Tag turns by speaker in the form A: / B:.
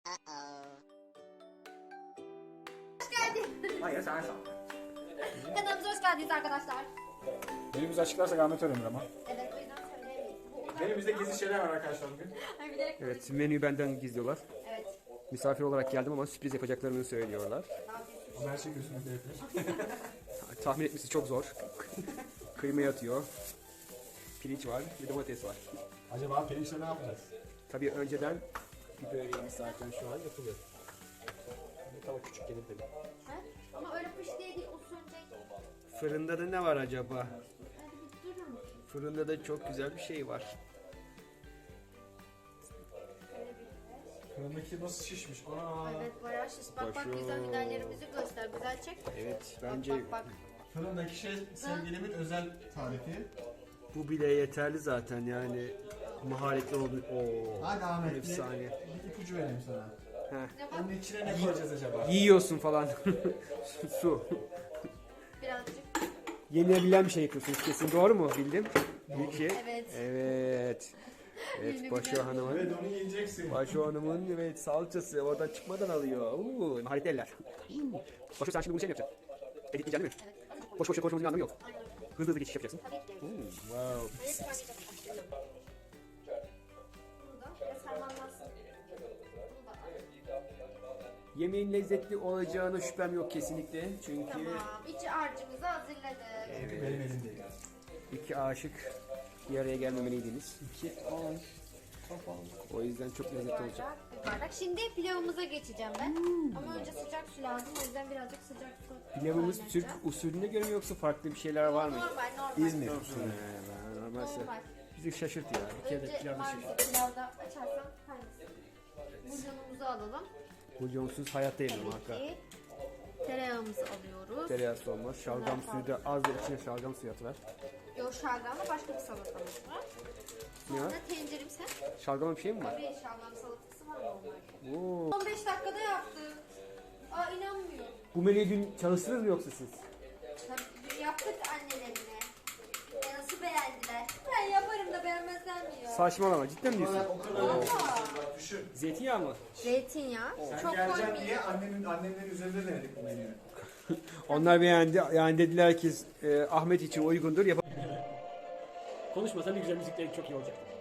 A: Hoş geldin.
B: Hayır sen sal.
A: Kanalımıza hoş geldiniz arkadaşlar.
B: Menümüzü açıklarsak Ahmet öğrenir ama.
A: Evet, o yüzden söyleyemeyiz.
B: Menümüzde gizli şeyler var arkadaşlar bugün.
A: Ay, bilerek
C: Evet, menüyü benden gizliyorlar.
A: Evet.
C: Misafir olarak geldim ama sürpriz yapacaklarını söylüyorlar.
B: Her şey gözüne değebilir.
C: Tahmin etmesi çok zor. Kıyma atıyor. Pirinç var, bir domates var.
B: Acaba pirinçle ne yapacağız?
C: Tabii önceden bir böreğimiz zaten şu an yapılıyor. Tava küçük gelir tabii.
A: Ha? Ama öyle pış diye değil, o sönecek.
C: Fırında da ne var acaba?
A: Hadi bir durur musun?
C: Fırında da çok güzel bir şey var.
B: Fırındaki nasıl şişmiş? Aa.
A: Evet, bayağı şiş. Bak bak,
C: Başım.
A: güzel biberlerimizi göster. Güzel çek.
C: Evet,
A: Bak
C: bence
A: bak bak.
B: Fırındaki şey sevgilimin özel tarifi.
C: bu bile yeterli zaten yani. Maharetli oldu. Oo,
B: Hadi Ahmet
C: efsane.
B: bir ipucu vereyim sana.
C: Heh.
A: Ne bak,
B: Onun içine ne koyacağız acaba?
C: Yiyorsun falan. Su.
A: birazcık.
C: Yenilebilen bir şey yapıyorsunuz kesin. Doğru mu? Bildim. İlki.
A: Evet.
C: Evet. Evet,
A: Yenilebilen
C: Başo Hanım'ın.
B: Evet onu yiyeceksin.
C: Başo Hanım'ın evet salçası oradan çıkmadan alıyor. Uuu, maharetli eller. Başo sen şimdi bunu şey mi yapacaksın? Editleyeceksin değil mi?
A: Evet.
C: Boş boş konuşmanın anlamı yok. Hızlı hızlı geçiş yapacaksın.
A: Tabii ki.
C: Wow.
A: Hayır, paylaşalım. Burada biraz harmanlansın. Bunu da al.
C: Yemeğin lezzetli olacağına şüphem yok kesinlikle. Çünkü
A: Tamam. İç harcımızı hazırladık.
B: Benim elimdeyim.
C: iki aşık bir araya gelmemeliydiniz. İki aşık. O yüzden çok lezzetli olacak.
A: Bardak, bir bardak. Şimdi pilavımıza geçeceğim ben. Ama önce sıcak su lazım. O yüzden birazcık sıcak su
C: Pilavımız Türk
A: kaynatacağım.
C: usulüne göre mi yoksa farklı bir şeyler var mı?
A: Normal.
B: İzmir.
C: Normalse
A: Normal.
C: bizi şaşırt ya. Bir kere de
A: Önce
C: pilavı şaşırt.
A: maalesef pilavda açarsan hangisi? Bulyonumuzu alalım.
C: Bulyonsuz hayatta yemem
A: Tabii
C: hakikaten.
A: ki. Tereyağımızı alıyoruz.
C: Tereyağısı olmaz. Şalgam suyu da az da içine şalgam suyu atıver.
A: Yok, şalgamla başka bir salatamız var.
C: Ne
A: Sonra
C: var?
A: tenceremse
C: Şalgama bir şey mi var?
A: bir şalgam salatası var normalde.
C: Oo.
A: 15 dakikada yaptık. Aa, inanmıyorum.
C: Bu menüyü dün çalıştınız mı yoksa siz?
A: Tabii dün yaptık annelerine. Nasıl beğendiler? Ben yaparım da beğenmezler mi ya?
C: Saçmalama, cidden mi diyorsun?
B: O kadar
A: Valla.
B: düşün.
C: Zeytinyağı mı?
A: Zeytinyağı.
B: Sen
A: Çok
B: geleceksin
A: koymayayım.
B: diye annemlerin üzerinde denedik bu menüyü.
C: Onlar beğendi. Yani dediler ki Ahmet için uygundur. Konuşmasa bir güzel müzikleri çok iyi olacak.